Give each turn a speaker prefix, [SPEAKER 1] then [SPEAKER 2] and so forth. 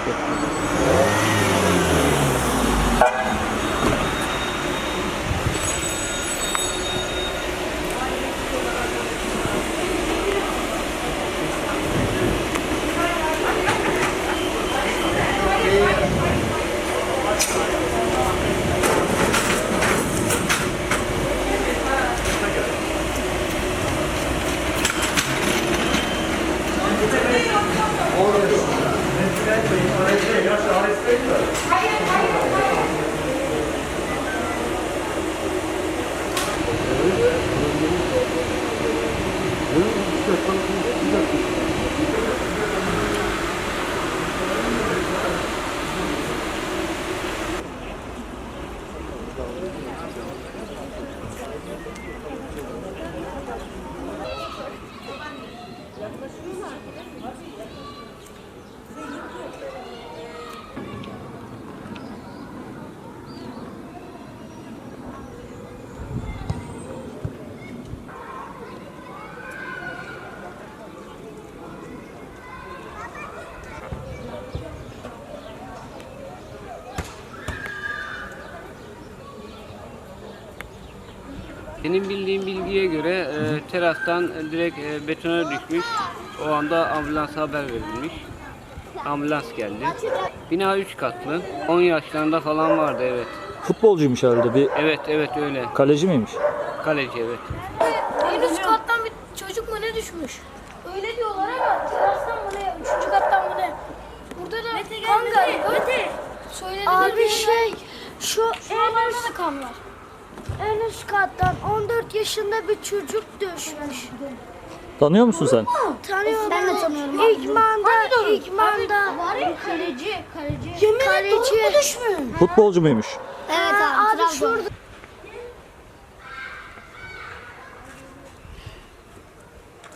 [SPEAKER 1] Benim bildiğim bilgiye göre terastan direkt betona düşmüş. O anda ambulansa haber verilmiş. Ambulans geldi. Bina 3 katlı. 10 yaşlarında falan vardı, evet.
[SPEAKER 2] Futbolcuymuş herhalde. Bir
[SPEAKER 1] Evet öyle.
[SPEAKER 2] kaleci miymiş?
[SPEAKER 1] Kaleci, evet.
[SPEAKER 3] En üst kattan bir çocuk mu ne düşmüş? Öyle diyorlar ama terastan mı ne? 3. kattan mı ne? Burada da kan galiba.
[SPEAKER 4] Abi şu
[SPEAKER 3] Şuralarda da kan var.
[SPEAKER 4] en üst kattan 14 yaşında bir çocuk düşmüş.
[SPEAKER 2] Tanıyor musun sen?
[SPEAKER 4] Tanıyorum.
[SPEAKER 3] Ben de tanıyorum.
[SPEAKER 4] İkman'da
[SPEAKER 3] Var ya kaleci.
[SPEAKER 4] kaleci.
[SPEAKER 3] Düşmüş.
[SPEAKER 2] Futbolcu muymuş?
[SPEAKER 3] Evet
[SPEAKER 4] Abi şurada